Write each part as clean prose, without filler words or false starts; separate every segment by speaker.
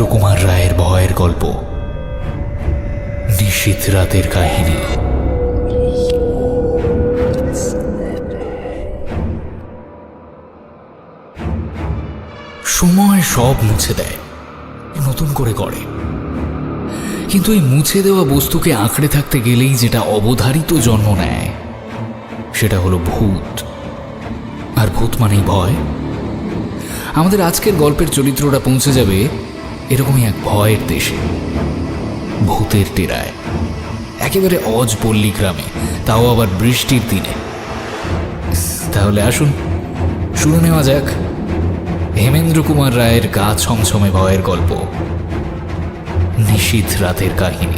Speaker 1: কুমার রায়ের ভয়ের গল্প নিশীথ রাতের কাহিনী। সময় সব মুছে দেয়, নতুন করে গড়ে। কিন্তু এই মুছে দেওয়া বস্তুকে আঁকড়ে থাকতে গেলেই যেটা অবধারিত জন্ম নেয় সেটা হলো ভূত। আর ভূত মানেই ভয়। আমাদের আজকের গল্পের চরিত্রটা পৌঁছে যাবে এরকমই এক ভয়ের দেশে, ভূতের টেরায়, একেবারে অজপল্লী গ্রামে, তাও আবার বৃষ্টির দিনে। তাহলে আসুন শুরু নেওয়া যাক হেমেন্দ্র কুমার রায়ের গা ছমছমে ভয়ের গল্প নিশীথ রাতের কাহিনী।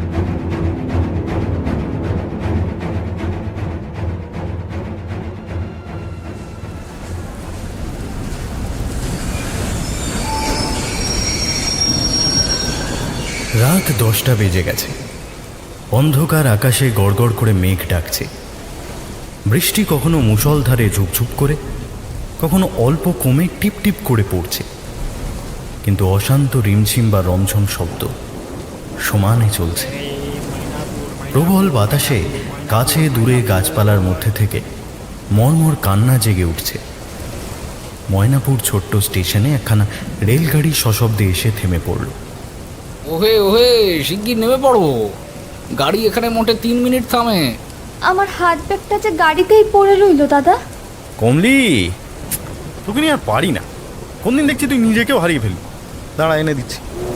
Speaker 2: রাত 10টা বেজে গেছে। অন্ধকার আকাশে গড়গড় করে মেঘ ডাকছে। বৃষ্টি কখনো মুষলধারে ঝুপঝুপ করে, কখনো অল্প কমে টিপ টিপ করে পড়ছে, কিন্তু অশান্ত রিমঝিম বা রমঝম শব্দ সমানে চলছে। প্রবল বাতাসে কাছে দূরে গাছপালার মধ্যে থেকে মর্মর কান্না জেগে উঠছে। ময়নাপুর ছোট্ট স্টেশনে একখানা রেলগাড়ি সশব্দে এসে থেমে পড়ল।
Speaker 1: ওহে ওহে, শিগগির নেমে পড়বো, গাড়ি এখানে মোটে 3 মিনিট থামে।
Speaker 3: আমার হাত ব্যাগটা যে গাড়িতেই পড়ে রইল দাদা।
Speaker 2: কমলি, তোকে নিয়ে আর পারি না। কোনদিন দেখছি তুই নিজেকেও হারিয়ে ফেলবি। দাঁড়া, এনে দিচ্ছি।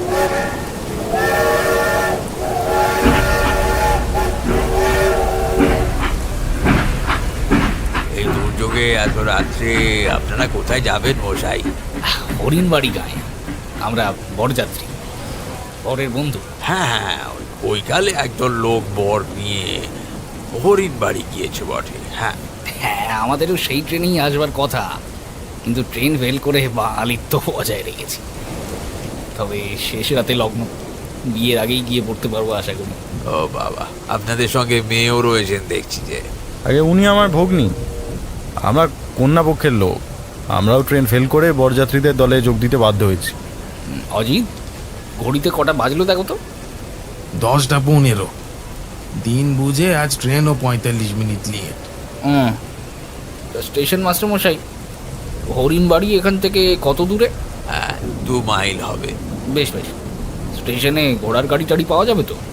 Speaker 4: এই দুর্যোগে এত রাত্রে আপনারা কোথায় যাবেন মশাই?
Speaker 1: হরিণবাড়ি গায়ে, আমরা বরযাত্রী, বরের বন্ধু।
Speaker 4: হ্যাঁ হ্যাঁ, ওই কালে একজন লোক বর নিয়ে হরিণ বাড়ি গিয়েছে বটে। হ্যাঁ
Speaker 1: হ্যাঁ, আমাদেরও সেই ট্রেনেই আসবার কথা, কিন্তু ট্রেন ফেল করে বাঙালিত্ব বজায় রেখেছি। তবে শেষ রাতে লগ্ন, বিয়ের আগেই গিয়ে পড়তে পারবো আশা করি।
Speaker 4: ও বাবা, আপনাদের সঙ্গে মেয়েও রয়েছেন দেখছি যে।
Speaker 2: আগে উনি আমার ভগ্নী, আমরা কন্যা পক্ষের লোক। আমরাও ট্রেন ফেল করে বরযাত্রীদের দলে যোগ দিতে বাধ্য হয়েছি।
Speaker 1: অজিত, ঘড়িতে কটা বাজলো দেখো তো।
Speaker 5: 10টা 15। দিন বুঝে আজ ট্রেনও 45 মিনিট লেট।
Speaker 1: স্টেশন মাস্টার মশাই, হরিণবাড়ি এখান থেকে কত দূরে?
Speaker 4: হ্যাঁ, 2 মাইল হবে।
Speaker 1: বেশ বেশ, স্টেশনে ঘোড়ার গাড়ি টাড়ি পাওয়া যাবে তো?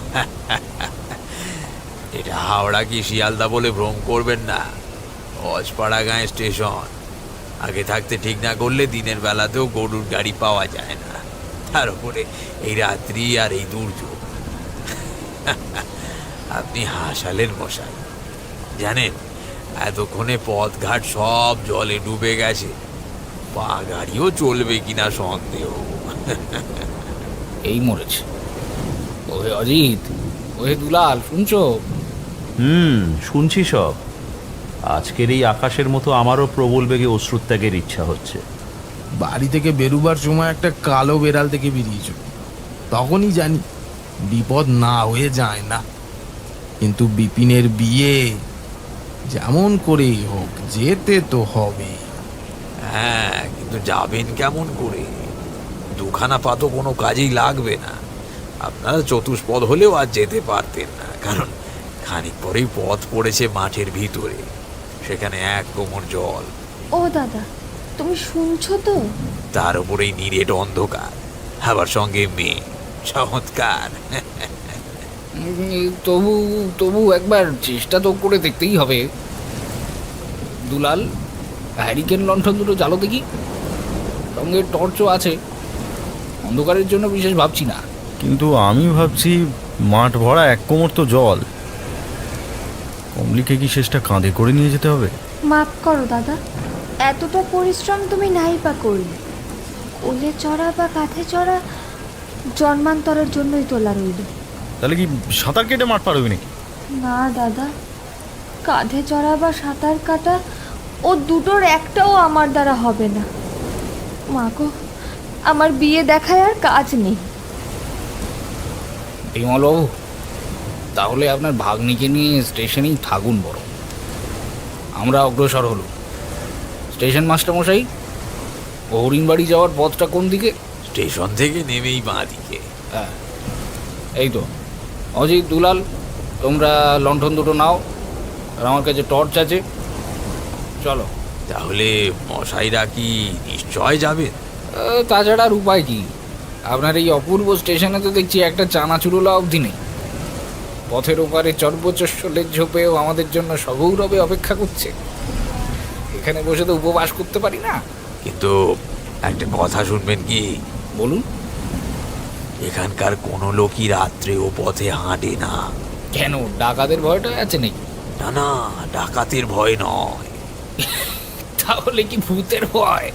Speaker 4: এটা হাওড়া কি শিয়ালদা বলে ভ্রম করবেন না, অজপাড়া গাঁয়ে স্টেশন। আগে থাকতে ঠিক না করলে দিনের বেলাতেও গরুর গাড়ি পাওয়া যায় না, তার উপরে এই রাত্রি আর এই দুর্যোগ। আপনি হাসালেন মশাই। জানেন, এতক্ষণে পথঘাট সব জলে ডুবে গেছে, পা গাড়িও চলবে কিনা সন্দেহ।
Speaker 1: এই মরেছে। ওহে অজিত, ওহে দুলাল, শুনছো?
Speaker 6: শুনছি সব। আজকের এই আকাশের মতো আমারও প্রবল বেগে অশ্রুত্যাগের ইচ্ছা হচ্ছে।
Speaker 5: বাড়ি থেকে বেরুবার সময় একটা কালো বেড়াল থেকে বেরিয়েছ, তখনই জানি বিপদ না হয়ে যায় না। কিন্তু বিপিনের বিয়ে যেমন করেই হোক যেতে তো হবে।
Speaker 4: হ্যাঁ, কিন্তু যাবেন কেমন করে? 2খানা পা তো কোনো কাজেই লাগবে না। আপনারা চতুষ্পদ হলেও আর যেতে পারতেন না, কারণ খানিক পরেই পথ পড়েছে মাঠের ভিতরে, সেখানে 1 কোমর জল।
Speaker 3: ও দাদা, তুমি শুনছো তো?
Speaker 4: তার উপরেই নিরেট অন্ধকার, আবার সঙ্গে মেয়ে। চমৎকার।
Speaker 1: তবু তবু একবার চেষ্টা তো করে দেখতেই হবে। দুলাল, হ্যারিকেন লণ্ঠন দুটো জ্বালো দেখি, সঙ্গে টর্চও আছে। অন্ধকারের জন্য বিশেষ ভাবছি না,
Speaker 2: কিন্তু আমি ভাবছি মাঠ ভরা 1 কোমর তো জল। কমলিকে কি শেষটা কাঁধে করে নিয়ে যেতে হবে?
Speaker 3: মাফ করো দাদা, এতটা পরিশ্রম তুমি নাই বা করলে। কোলে চড়া বা কাঁধে চড়া জন্মান্তরের জন্যই তোলা রইল।
Speaker 2: তাহলে কি সাঁতার কেটে মাঠ পার হবি নাকি?
Speaker 3: না দাদা, কাঁধে চড়া বা সাঁতার কাটা ও দুটোর একটাও আমার দ্বারা হবে না। মা গো, আমার বিয়ে দেখায় আর কাজ নেই।
Speaker 1: বিমলবাবু, তাহলে আপনার ভাগ্নিকে নিয়ে স্টেশনেই থাকুন বড়। আমরা অগ্রসর হলো। স্টেশন মাস্টার মশাই, হরিণবাড়ি যাওয়ার পথটা কোন দিকে?
Speaker 4: স্টেশন থেকে নেমেই বাঁ দিকে।
Speaker 1: হ্যাঁ এই তো। অজিত, দুলাল, তোমরা লণ্ঠন দুটো নাও, আর আমার কাছে টর্চ আছে। চলো।
Speaker 4: তাহলে মশাইরা কি নিশ্চয় যাবেন?
Speaker 1: তাছাড়া আর উপায় কি? আপনার এই অপূর্ব স্টেশনে তো দেখছি একটা চানাচুরোলা অবধি নেই। পথের ওপারে চর্বচস্বলের ঝোপেও আমাদের জন্য সগৌরবে অপেক্ষা করছে। এখানে বসে তো উপবাস করতে পারি না।
Speaker 4: কিন্তু একটা কথা শুনবেন কি?
Speaker 1: বলুন।
Speaker 4: এখানকার কোনো লোকই রাত্রে ও পথে হাঁটে না।
Speaker 1: কেন, ডাকাতের ভয়টা আছে নাকি?
Speaker 4: না না, ডাকাতের ভয় নয়।
Speaker 1: তাহলে কি ভূতের ভয়?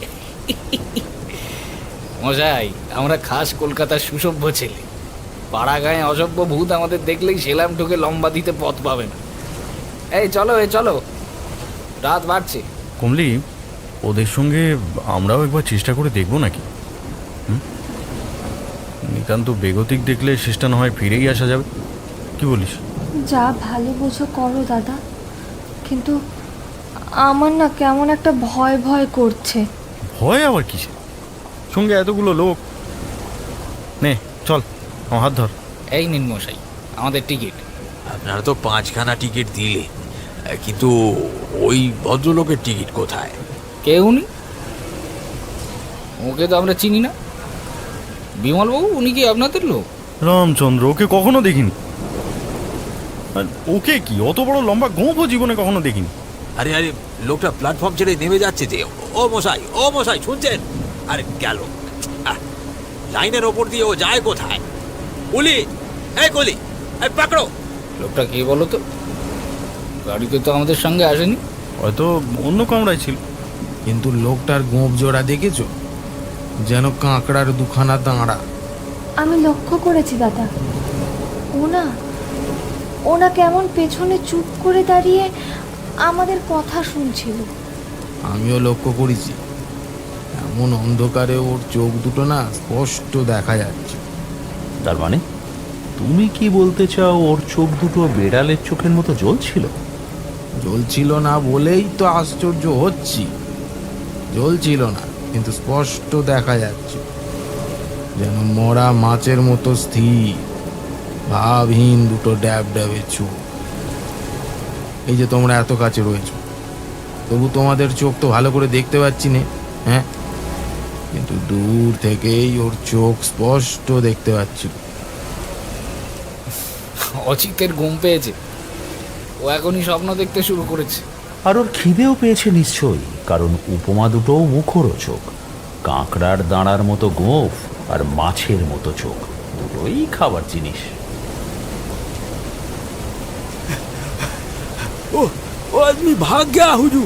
Speaker 1: মশাই, আমরা খাস কলকাতার সুসভ্য ছেলে। পাড়া গায়ে অসভ্য ভূত আমাদের দেখলেই সেলাম ঠুকে লম্বা দিতে পথ পাবে না। এই চলো, চলো, রাত বাড়ছে।
Speaker 2: কমলি, ওদের সঙ্গে আমরাও একবার চেষ্টা করে দেখবো নাকি? নিতান্ত বেগতিক দেখলে শেষটা না হয় ফিরেই আসা যাবে। কি বলিস?
Speaker 3: যা ভালো বোঝো করো দাদা, কিন্তু আমার না কেমন একটা ভয় ভয় করছে।
Speaker 2: ভয় আবার কিসে? সঙ্গে এতগুলো লোক। নে চল, আমার হাত ধর।
Speaker 1: এই নিন মশাই আমাদের টিকিট।
Speaker 4: আপনারা তো 5খানা টিকিট দিলে, কিন্তু ওই ভদ্রলোকের টিকিট কোথায়?
Speaker 1: কে উনি? ওকে তো আমরা চিনি না। বিমলবাবু, উনি কি আপনাদের লোক?
Speaker 2: রামচন্দ্র, ওকে কখনো দেখিনি। আর ওকে কি অত বড় লম্বা গোঁফও জীবনে কখনো দেখিনি।
Speaker 4: আরে আরে, লোকটা প্ল্যাটফর্ম ছেড়ে নেমে যাচ্ছে যে। ও মশাই শুনছেন? আরে গেল। লাইনের ওপর দিয়ে ও যায় কোথায়? কুলি, এই কুলি, এই পাকড়ো।
Speaker 1: লোকটা কে বলো তো? গাড়িতে তো আমাদের সঙ্গে আসেনি।
Speaker 2: হয়তো অন্য কামরায় ছিল।
Speaker 5: কিন্তু লোকটার গোঁফ জোড়া দেখেছো? যেন কাঁকড়ার দুখানা দাঁড়া।
Speaker 3: আমি লক্ষ্য করেছি দাদা, ওনা কেমন পেছনে চুপ করে দাঁড়িয়ে আমাদের কথা শুনছিল।
Speaker 5: আমিও লক্ষ্য করেছি। এমন অন্ধকারে ওর চোখ দুটো না স্পষ্ট দেখা যাচ্ছে।
Speaker 6: তার মানে তুমি কি বলতে চাও ওর চোখ দুটো বেড়ালের চোখের মতো জ্বলছিল?
Speaker 5: জ্বলছিল না বলেই তো আশ্চর্য হচ্ছি। জ্বলছিল না, কিন্তু স্পষ্ট দেখা যাচ্ছে, যেন মরা মাছের মতো স্থির, ভাবহীন দুটো ড্যাব ড্যাবে চোখ। এই যে তোমরা এত কাছে রয়েছো, তবু তোমাদের চোখ তো ভালো করে দেখতে পাচ্ছি না। হ্যাঁ, কিন্তু দূর থেকেই ওর চোখ স্পষ্ট দেখতে পাচ্ছি।
Speaker 1: অচিতের ঘুম পেয়েছে, ও এখনই স্বপ্ন দেখতে শুরু করেছে।
Speaker 6: আর ওর খিদেও পেয়েছে নিশ্চয়ই, কারণ উপমা দুটোও মুখরোচক। কাঁকড়ার দাঁড়ার মতো গোঁফ আর মাছের মতো চোখ, দুটোই খাবার জিনিস।
Speaker 4: ও আদমি ভাগ গয়া হুজুর।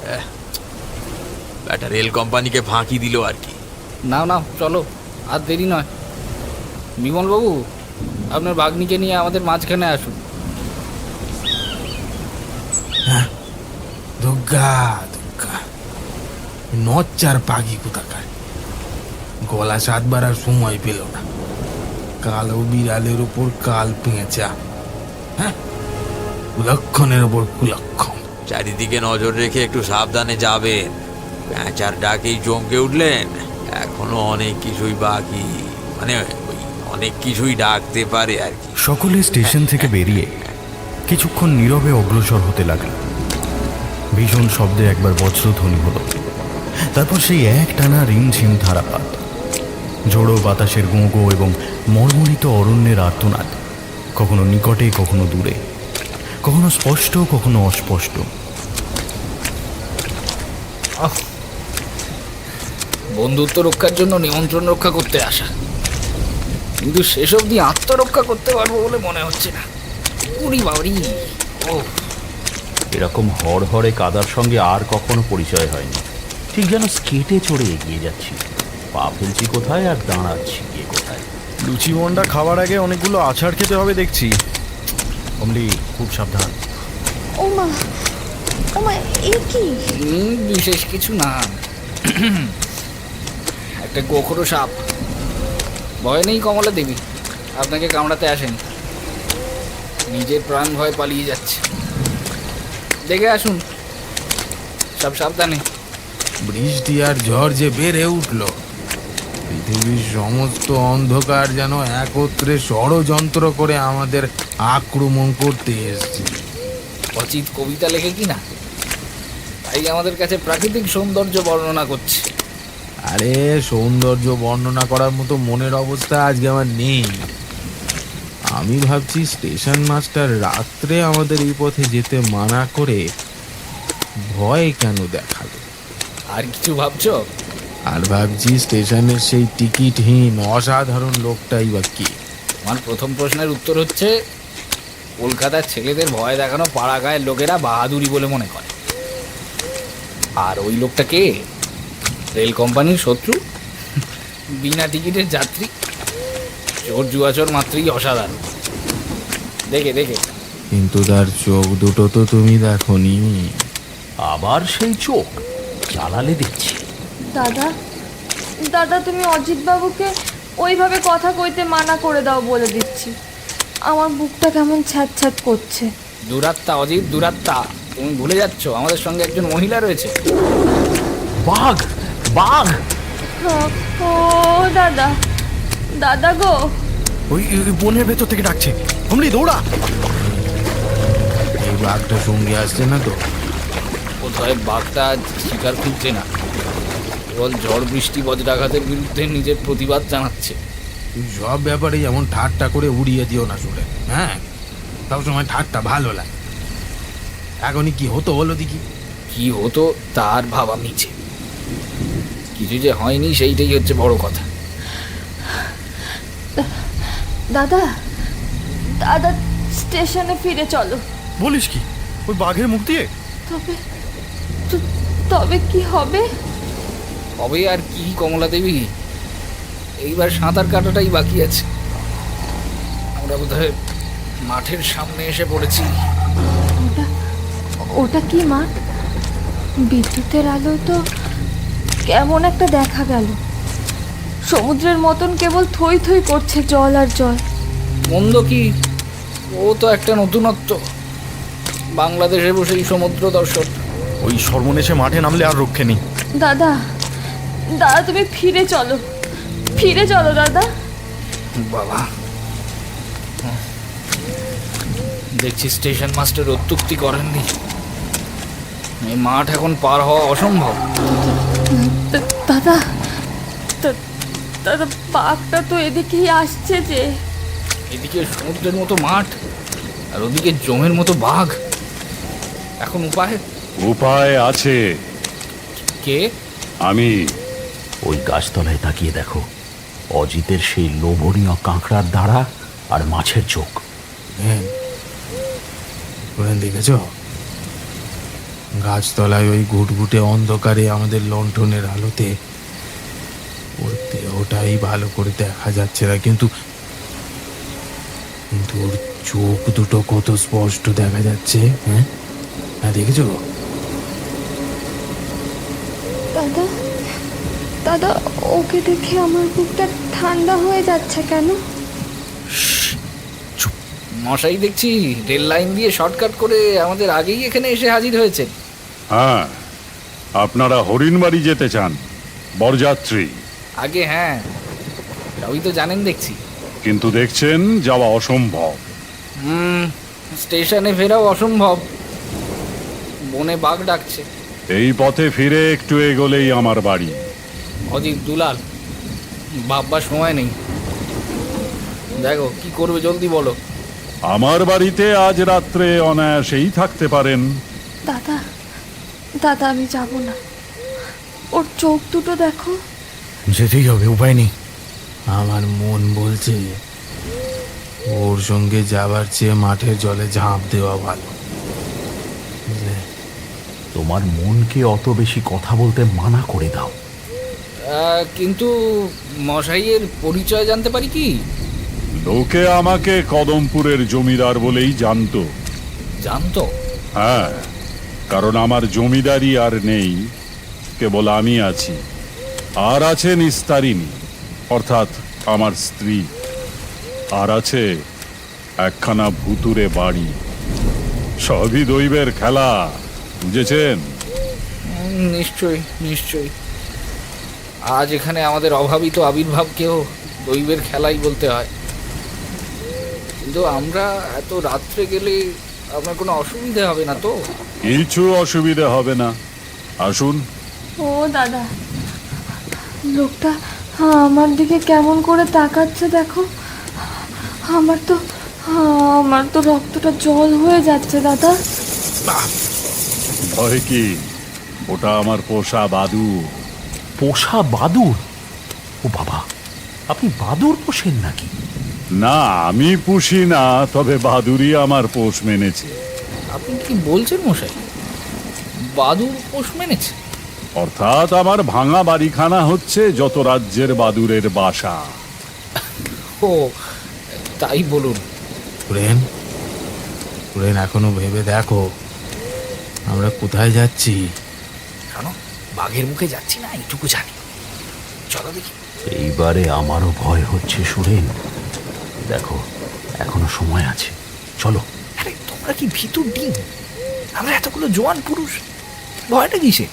Speaker 4: ব্যাটা রেল কোম্পানিকে ফাঁকি দিল আর কি।
Speaker 1: নাও চলো, আর দেরি নয়। বিমলবাবু, আপনার বাগনিকে নিয়ে আমাদের মাঝখানে আসুন।
Speaker 5: দুর্গা দুর্গা, নচ্চার পাখি কোথাকার, গলা সাতবার আর সময় পেল না। কালো বিড়ালের উপর কাল পেঁচা, হ্যাঁ, কুলক্ষণের ওপর কুলক্ষণ।
Speaker 4: চারিদিকে নজর রেখে একটু সাবধানে যাবেন। প্যাঁচার ডাকেই চমকে উঠলেন, এখনো অনেক কিছুই বাকি, মানে ওই অনেক কিছুই ডাকতে পারে আর কি।
Speaker 2: সকলে স্টেশন থেকে বেরিয়ে কিছুক্ষণ নীরবে অগ্রসর হতে লাগলো। ভীষণ শব্দে একবার বজ্রধ্বনি হলো, তারপর সেই এক টানা রিমঝিম ধারাপাত, ঝোড়ো বাতাসের গোঁ এবং মর্মরিত অরণ্যের আর্তনাদ, কখনো নিকটে কখনো দূরে, কখনো স্পষ্ট কখনো অস্পষ্ট।
Speaker 1: বন্ধুত্ব রক্ষার জন্য নিমন্ত্রণ রক্ষা করতে আসা, কিন্তু শেষ অবধি আত্মরক্ষা করতে পারবো বলে মনে হচ্ছে না। উড়ি বাড়ি, ও
Speaker 6: এরকম হড়হড়ে কাদার সঙ্গে আর কখনো পরিচয় হয়নি। ঠিক যেন স্কেটে চড়ে এগিয়ে যাচ্ছি, পা ফেলছি কোথায় আর দাঁড়াচ্ছি গিয়ে কোথায়।
Speaker 2: লুচি মন্ডা খাবার আগে অনেকগুলো আছাড় খেতে হবে দেখছি। কমলি, খুব সাবধান।
Speaker 3: ও মা, এ কি?
Speaker 1: বিশেষ কিছু না, একটা গোখরো সাপ। ভয় নেই কমলা দেবী, আপনাকে কামড়াতে আসেন, নিজের প্রাণ ভয় পালিয়ে যাচ্ছে। দেখে আসুন, সব সাবধানে।
Speaker 5: বৃষ্টি আর ঝড় যে বেড়ে উঠলো, পৃথিবীর সমস্ত অন্ধকার যেন একত্রে ষড়যন্ত্র করে আমাদের আক্রমণ করতে এসছে।
Speaker 1: অচিত কবিতা লেখে কি না, তাই আমাদের কাছে প্রাকৃতিক সৌন্দর্য বর্ণনা করছে।
Speaker 5: আরে সৌন্দর্য বর্ণনা করার মতো মনের অবস্থা আজকে আমার নেই। আমি ভাবছি স্টেশন মাস্টার রাত্রে আমাদের এই পথে যেতে মানা করে ভয় কেন দেখালো।
Speaker 1: আর কিছু ভাবছো?
Speaker 5: আর ভাবছি স্টেশনের সেই টিকিটহীন অসাধারণ লোকটাই বা কে।
Speaker 1: আমার প্রথম প্রশ্নের উত্তর হচ্ছে, কলকাতার ছেলেদের ভয় দেখানো পাড়া গায়ের লোকেরা বাহাদুরি বলে মনে করে। আর ওই লোকটা কে? রেল কোম্পানির শত্রু, বিনা টিকিটের যাত্রী, চোর জুয়াচোর মাত্রই অসাধারণ। দেখে দেখে
Speaker 5: কিন্তু তার চোখ দুটো তো তুমি দেখোনি।
Speaker 6: আবার সেই চোখ জ্বালালে দেখছি।
Speaker 3: দাদা, দাদা তুমি অজিত বাবুকে ওইভাবে কথা কইতে মানা করে দাও বলে দিচ্ছি। আমার বুকটা কেমন ছ্যাঁত করছে।
Speaker 1: দুরাত্মা অজিত, দুরাত্মা। তুমি ভুলে যাচ্ছ আমাদের সঙ্গে একজন মহিলা রয়েছে।
Speaker 6: বাঘ, বাঘ!
Speaker 3: ও দাদা, দাদা গো।
Speaker 2: ওই বনের ভেতর থেকে ডাকছে। কমলি দৌড়া!
Speaker 5: এই বাঘটা সঙ্গে আসছে না তো?
Speaker 1: কোথায় বাঘটা শিকার খুঁজছে না, কেবল ঝড় বৃষ্টি বজ্রাঘাতের বিরুদ্ধে নিজের প্রতিবাদ জানাচ্ছে।
Speaker 5: তুই সব ব্যাপারে যেমন ঠাট্টা করে উড়িয়ে দিও না শুনে। হ্যাঁ, সবসময় ঠাট্টা ভালো লাগে। এখনই কি হতো বলো দেখি?
Speaker 1: কি হতো তার ভাবা মিছে, কিছু যে হয়নি সেইটাই হচ্ছে বড় কথা।
Speaker 3: দাদা, দাদা স্টেশনে ফিরে চলো।
Speaker 2: বলিস কি? ওই বাঘের মুখ দিয়ে?
Speaker 3: তবে তবে কি হবে?
Speaker 1: হবে আর কি কমলা দেবী, এইবার সাঁতার কাটাটাই বাকি আছে। আমরা বোধহয় মাঠের সামনে এসে পড়েছি।
Speaker 3: ওটা ওটা কি মাঠ? বিদ্যুতের আলো তো কেমন একটা দেখা গেল। সমুদ্রের মতন কেবল থই থই করছে জল আর জল।
Speaker 1: মন্দ কি, ও তো একটা নতুনত্ব। বাংলাদেশে বসেই সমুদ্র দর্শন।
Speaker 2: ওই সর্বনেশে মাঠে নামলে আর রক্ষে নেই।
Speaker 3: দাদা, দাদা তুমি ফিরে চলো, ফিরে চলো দাদা।
Speaker 1: বাবা, দেখছি স্টেশন মাস্টার অত্যুক্তি করেননি। এই মাঠ এখন পার হওয়া অসম্ভব।
Speaker 3: দাদা, দাদা বাঘটা তো এদিকেই আসছে যে।
Speaker 1: এদিকে সমুদ্রের মতো মাঠ আর ওদিকে জমের মতো বাঘ। এখন উপায়?
Speaker 7: উপায় আছে।
Speaker 1: কে?
Speaker 7: আমি।
Speaker 6: ওই গাছতলায় তাকিয়ে দেখো, অজিতের সেই লোভনীয় কাঁকড়ার দাঁড়া আর মাছের চোখ।
Speaker 5: হ্যাঁ, দেখেছ গাছতলায় ওই ঘুটঘুটে অন্ধকারে আমাদের লণ্ঠনের আলোতে ওর দেহটাই ভালো করে দেখা যাচ্ছে না, কিন্তু কিন্তু ওর চোখ দুটো কত স্পষ্ট দেখা যাচ্ছে। হ্যাঁ, হ্যাঁ দেখেছো?
Speaker 3: দাদা, দাদা ওকে দেখে আমার বুকটা ঠান্ডা হয়ে যাচ্ছে কেন?
Speaker 1: মশাই দেখছি রেল লাইন দিয়ে শর্টকাট করে আমাদের আগেই এখানে এসে হাজির হয়েছে।
Speaker 7: হ্যাঁ, আপনারা হরিণবাড়ি যেতে চান, বরযাত্রী।
Speaker 1: আগে হ্যাঁ, সবই তো জানেন দেখছি।
Speaker 7: কিন্তু দেখছেন যাওয়া অসম্ভব।
Speaker 1: স্টেশনে ফেরাও অসম্ভব, বনে বাঘ ডাকছে।
Speaker 7: এই পথে ফিরে একটু এগোলেই আমার বাড়ি।
Speaker 1: অজিত, দুলাল, ভাববার সময় নেই। দেখো কি করবে, জলদি বলো।
Speaker 7: আমার বাড়িতে আজ রাত্রে অনায়াসেই থাকতে পারেন।
Speaker 3: দাদা, দাদা আমি যাব না। ওর চোখ দুটো দেখো।
Speaker 2: যেতেই হবে, উপায় নেই।
Speaker 5: আমার মন বলছে ওর সঙ্গে যাবার চেয়ে মাঠের জলে ঝাঁপ দেওয়া ভালো। বুঝলে?
Speaker 6: তোমার মনকে অত বেশি কথা বলতে মানা করে দাও।
Speaker 1: কিন্তু মশাইয়ের পরিচয় জানতে পারি কি?
Speaker 7: লোকে আমাকে কদমপুরের জমিদার বলেই জানতো।
Speaker 1: জানতো?
Speaker 7: হ্যাঁ, কারণ আমার জমিদারি আর নেই, কেবল আমি আছি। আর আছে নিস্তারিণী, অর্থাৎ আমার স্ত্রী। আর আছে একখানা ভুতুরে বাড়ি। সবই দৈবের খেলা, বুঝেছেন?
Speaker 1: নিশ্চয়ই নিশ্চয়ই। আজ এখানে আমাদের অভাবিত আবির্ভাবকেও দৈবের খেলাই বলতে হয়। কিন্তু আমরা এত রাত্রে গেলে আপনার কোনো অসুবিধা হবে না তো?
Speaker 7: কিছু অসুবিধা হবে না, আসুন।
Speaker 3: ও দাদা, লোকটা আমার দিকে কেমন করে তাকাচ্ছে দেখো। আমার তো রক্তটা জল হয়ে যাচ্ছে দাদা।
Speaker 7: ভয় কি, ওটা আমার পোষা বাদুড়।
Speaker 6: পোষা বাদুড়? ও বাবা, আপনি বাদুড় পোষেন নাকি?
Speaker 7: না, আমি পুষি না, তবে বাদুড়ই আমার পোষ মেনেছে।
Speaker 1: আপনি কি বলছেন মশাই, বাদুড় পোষ মেনেছে?
Speaker 7: অর্থাৎ আমার ভাঙা বাড়িখানা হচ্ছে যত রাজ্যের বাদুড়ের বাসা।
Speaker 1: ও তাই বলুন।
Speaker 5: সুরেন, সুরেন, এখনো ভেবে দেখো আমরা কোথায় যাচ্ছি।
Speaker 1: কেন বাঘের মুখে যাচ্ছি না এইটুকু জানি। চলো দেখি।
Speaker 6: এইবারে আমারও ভয় হচ্ছে সুরেন। দেখো, এখনো সময় আছে, চলো।
Speaker 1: আরে তোমরা কি ভিতর ডিম? আমরা এতগুলো জোয়ান পুরুষ, ভয়টা কিসে?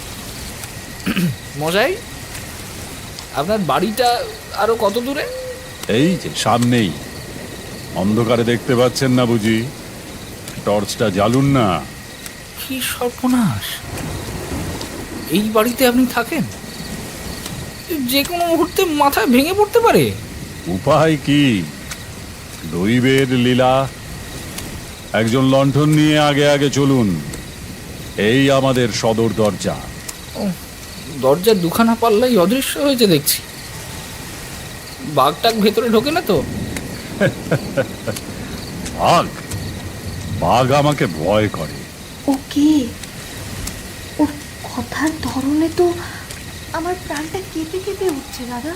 Speaker 1: মশাই, আপনার বাড়িটা আরো কত দূরে?
Speaker 7: এই যে সামনেই। অন্ধকারে দেখতে পাচ্ছেন না বুঝি? টর্চটা জ্বালুন না।
Speaker 1: কি সর্বনাশ! এই বাড়িতে আপনি থাকেন? যে কোনো মুহূর্তে মাথায় ভেঙে পড়তে পারে।
Speaker 7: উপায় কি, দৈবের লীলা। একজন লণ্ঠন নিয়ে আগে আগে চলুন। এই আমাদের সদর দরজা।
Speaker 1: দরজার দুখানা পাল্লাই অদৃশ্য হয়েছে দেখছি। বাঘটাক ভেতরে ঢোকে না তো?
Speaker 7: বাঘ? বাঘ আমাকে ভয় করে।
Speaker 3: ও কি, ওর কথার ধরনে তো আমার প্রাণটা কেঁপে কেঁপে উঠছে দাদা।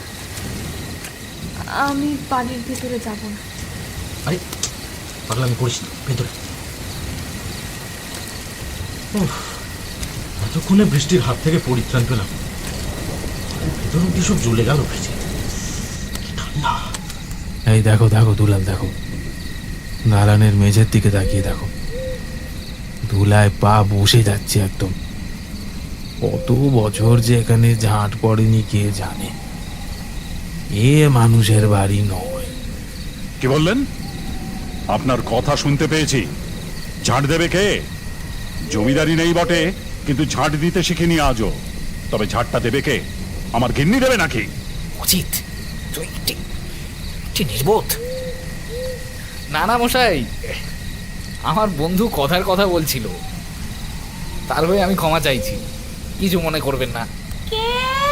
Speaker 3: আমি বাড়ির ভেতরে যাব না।
Speaker 8: আরে পাগলামি করিস না, ভেতরে। এতক্ষণে বৃষ্টির হাত থেকে পরিত্রাণ পেলাম। ভেতর অব্দি সব জ্বলে গেল ভেজে। কি ঠান্ডা!
Speaker 5: এই দেখো দেখো দুলাল, দেখো দালানের মেঝের দিকে তাকিয়ে দেখো। ধুলায় পা বসে যাচ্ছে একদম। কত বছর যে এখানে ঝাঁট পড়েনি কে জানে। এ মানুষের বাড়ি নয়।
Speaker 7: কি বললেন? আপনার কথা শুনতে পেয়েছি। ঝাঁট দেবে কে? জমিদারি নেই বটে, কিন্তু ঝাঁট দিতে শিখিনি আজও। তবে ঝাঁটটা দেবে কে? আমার গিন্নি দেবে নাকি?
Speaker 1: উচিত তুই নির্বোধ। না না মশাই, আমার বন্ধু কথার কথা বলছিল, তার হয়ে আমি ক্ষমা চাইছি, কিছু মনে করবেন না।
Speaker 9: কে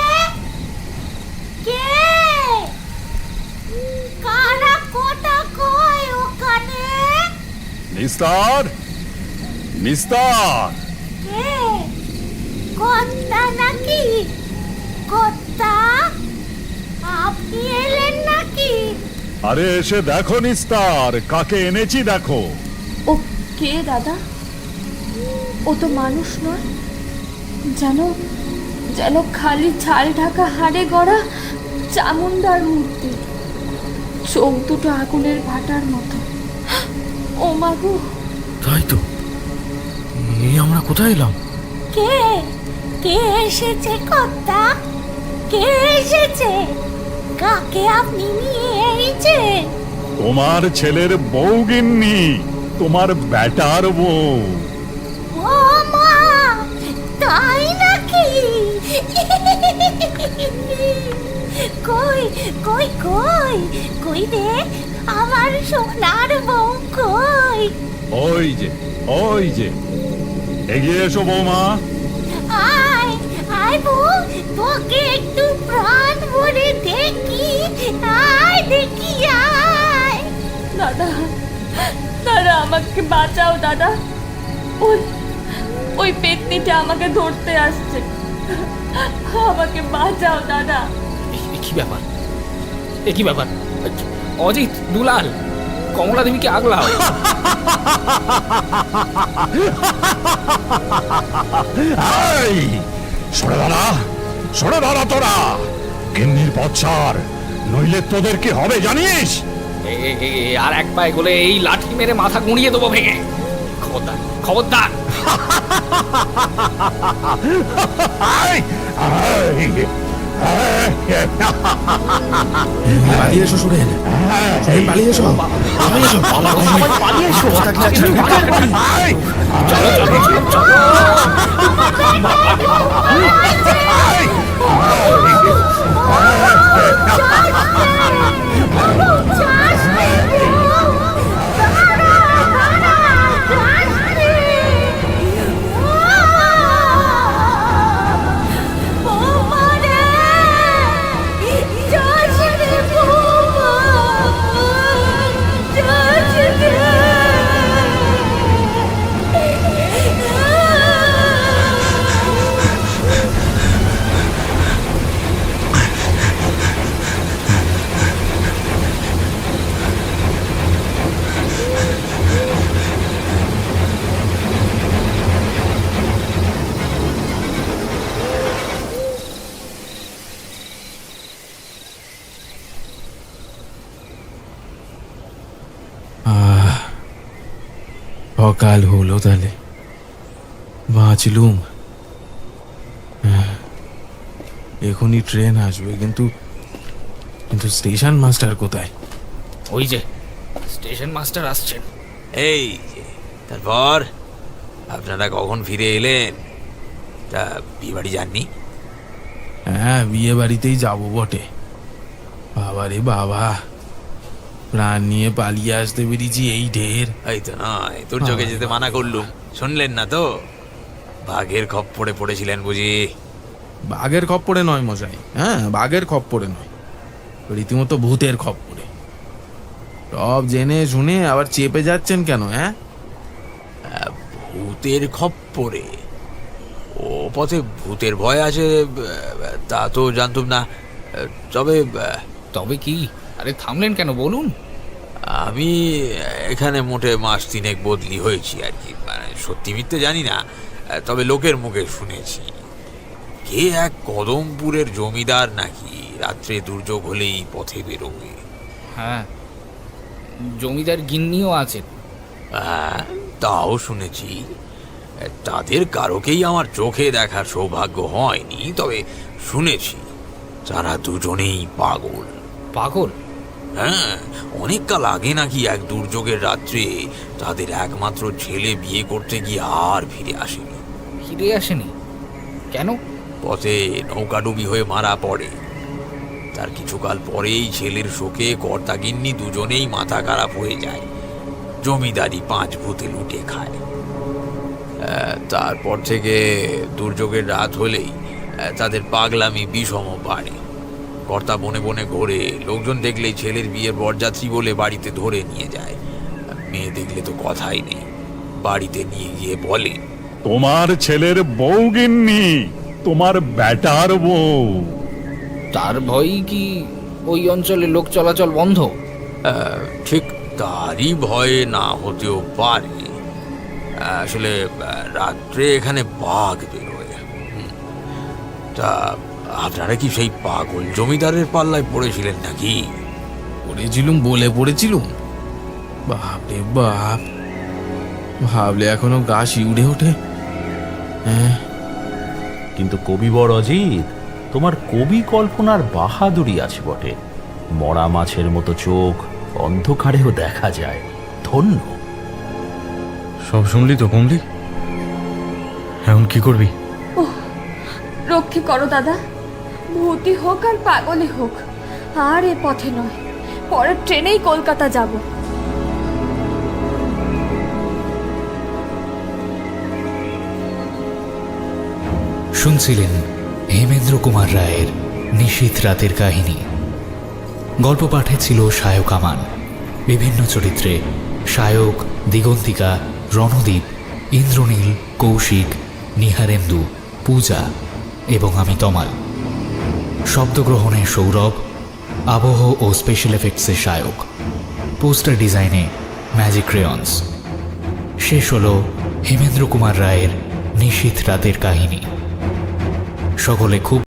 Speaker 9: কে কারা কোটা কয় ওখানে?
Speaker 7: নিস্তার, নিস্তার।
Speaker 9: কে কর্তা নাকি? কর্তা আপনি এলেন নাকি?
Speaker 7: আরে এসে দেখো নিস্তার, কাকে এনেছি দেখো।
Speaker 3: ও কে দাদা? ও তো মানুষ নয়, যেন যেন খালি ছাল ঢাকা হাড়ে গড়া চামুন্ডার মূর্তি, চোখ দুটো আগুনের ভাটার মতো। ও মাগো!
Speaker 5: তাই তো, এই আমরা কোথায় এলাম?
Speaker 9: কে কে এসেছে কর্তা? কে এসেছে? কাকে আপনি নিয়ে এসেছেন?
Speaker 7: তোমার ছেলের বউ গিন্নি, তোমার বেটার বউ।
Speaker 9: ও মা, তাই নাকি? কই কই কই কই রে আমার সোনার বউ কই?
Speaker 7: ওই যে, ওই যে, এগিয়ে এসো বৌমা।
Speaker 9: আয় আয় বউ, তোকে একটু প্রাণ ভরে দেখি। আয় দেখি আয়।
Speaker 3: দাদা, দাদা আমাকে বাঁচাও দাদা। ওই ওই পেতনিটা আমাকে ধরতে আসছে, আমাকে বাঁচাও দাদা।
Speaker 1: কি ব্যাপার, এ কি ব্যাপার? অজিত, দুলাল, কমলা দেবীকে আগলাও।
Speaker 7: এই, সরে দাঁড়া, সরে দাঁড়া তোরা। গিন্নির পথ ছাড়, নইলে তোদের কি হবে জানিস?
Speaker 1: আর এক পায়ে গলে এই লাঠি মেরে মাথা গুঁড়িয়ে দেবো ভেঙে। খবরদার, খবরদার।
Speaker 7: এই, এই,
Speaker 5: পালিয়ে এসো সুরেন, সুরেন পালিয়ে এসো, পালিয়ে এসো। সকাল হলো তাহলে, বাঁচলুম। এখনই ট্রেন আসবে, কিন্তু কিন্তু স্টেশন মাস্টার কোথায়?
Speaker 1: ওই যে স্টেশন মাস্টার আসছেন।
Speaker 4: এই যে, তারপর আপনারা কখন ফিরে এলেন? তা বিয়ে বাড়ি যাননি?
Speaker 5: হ্যাঁ, বিয়ে বাড়িতেই যাবো বটে। বাবা রে বাবা, প্রাণ নিয়ে পালিয়ে আসতে পেরেছি এই ঢের।
Speaker 4: এই তো নয়, তোর চোখে যেতে মানা করলুম, শুনলেন না তো? বাঘের খপ্পরে পড়েছিলেন বুঝি?
Speaker 5: বাঘের খপ্পরে নয় মশাই, হ্যাঁ বাঘের খপ্পরে নয়, রীতিমতো ভূতের খপ্পরে। সব জেনে শুনে আবার চেপে যাচ্ছেন কেন? হ্যাঁ,
Speaker 4: ভূতের খপ্পরে? ও পথে ভূতের ভয় আছে তা তো জানতুম না। তবে
Speaker 1: তবে কি? আরে থামলেন কেন, বলুন।
Speaker 4: আমি এখানে মোটে মাস 3 বদলি হয়েছি আর কি। মানে সত্যি মিথ্যে জানি না, তবে লোকের মুখে শুনেছি কে এক কদমপুরের জমিদার নাকি রাত্রে দুর্যোগ হলেই পথে বেরোবে।
Speaker 1: হ্যাঁ, জমিদার গিন্নিও আছেন।
Speaker 4: হ্যাঁ, তাও শুনেছি। তাদের কারোকেই আমার চোখে দেখার সৌভাগ্য হয়নি, তবে শুনেছি তারা দুজনেই পাগল।
Speaker 1: পাগল?
Speaker 4: হ্যাঁ, অনেক কাল আগে নাকি এক দুর্যোগের রাত্রে তাদের একমাত্র ছেলে বিয়ে করতে গিয়ে আর ফিরে আসেনি।
Speaker 1: ফিরে আসেনি কেন?
Speaker 4: পথে নৌকাডুবি হয়ে মারা পড়ে। তার কিছুকাল পরেই ছেলের শোকে কর্তাগিন্নি দুজনেই মাথা খারাপ হয়ে যায়। জমিদারি 5 ভূতে লুটে খায়। তারপর থেকে দুর্যোগের রাত হলেই তাদের পাগলামি বিষম বাড়ে। কর্তা বনে বনে ঘোরে, লোকজন দেখলেই ছেলের বিয়ের বরযাত্রী বলে বাড়িতে ধরে নিয়ে যায়। মেয়ে দেখলে তো কথাই নেই, বাড়িতে নিয়ে গিয়ে বলে,
Speaker 7: তোমার ছেলের বউ গিন্নি, তোমার বেটার বউ।
Speaker 1: তার ভয়ই কি ওই অঞ্চলে লোক চলাচল বন্ধ?
Speaker 4: ঠিক তারই ভয়ে না হতেও পারে। আসলে রাত্রে এখানে বাঘ বেরোয়। তা আপনারা কি সেই পাগল জমিদারের পাল্লায় পড়েছিলেন নাকি?
Speaker 5: পড়েছিলুম বলে পড়েছিলুম? বাপরে বাপ, ভাবলে এখনো গা শিউড়ে ওঠে। হ্যাঁ,
Speaker 6: কিন্তু কবিবর অজিত, তোমার কবি কল্পনার বাহাদুরি আছে বটে। মরা মাছের মতো চোখ অন্ধকারেও দেখা যায়, ধন্য।
Speaker 2: সব শুনলি তো কমলি? এখন কি করবি?
Speaker 3: রক্ষে করো দাদা, ভূতি হোক আর পাগলই হোক, আর এ পথে নয়, পরের ট্রেনেই কলকাতা যাব।
Speaker 1: শুনছিলেন হেমেন্দ্র কুমার রায়ের নিশীথ রাতের কাহিনী। গল্প পাঠে ছিল সায়ক আমান। বিভিন্ন চরিত্রে সায়ক, দিগন্তিকা, রণদীপ, ইন্দ্রনীল, কৌশিক, নিহারেন্দু, পূজা এবং আমি তমাল। শব্দগ্রহণে সৌরভ, আবহ ও স্পেশাল এফেক্টসে সায়ক, পোস্টার ডিজাইনে ম্যাজিক ক্রেয়ন্স। শেষ হল হেমেন্দ্র কুমার রায়ের নিশীথ রাতের কাহিনী। সকলে খুব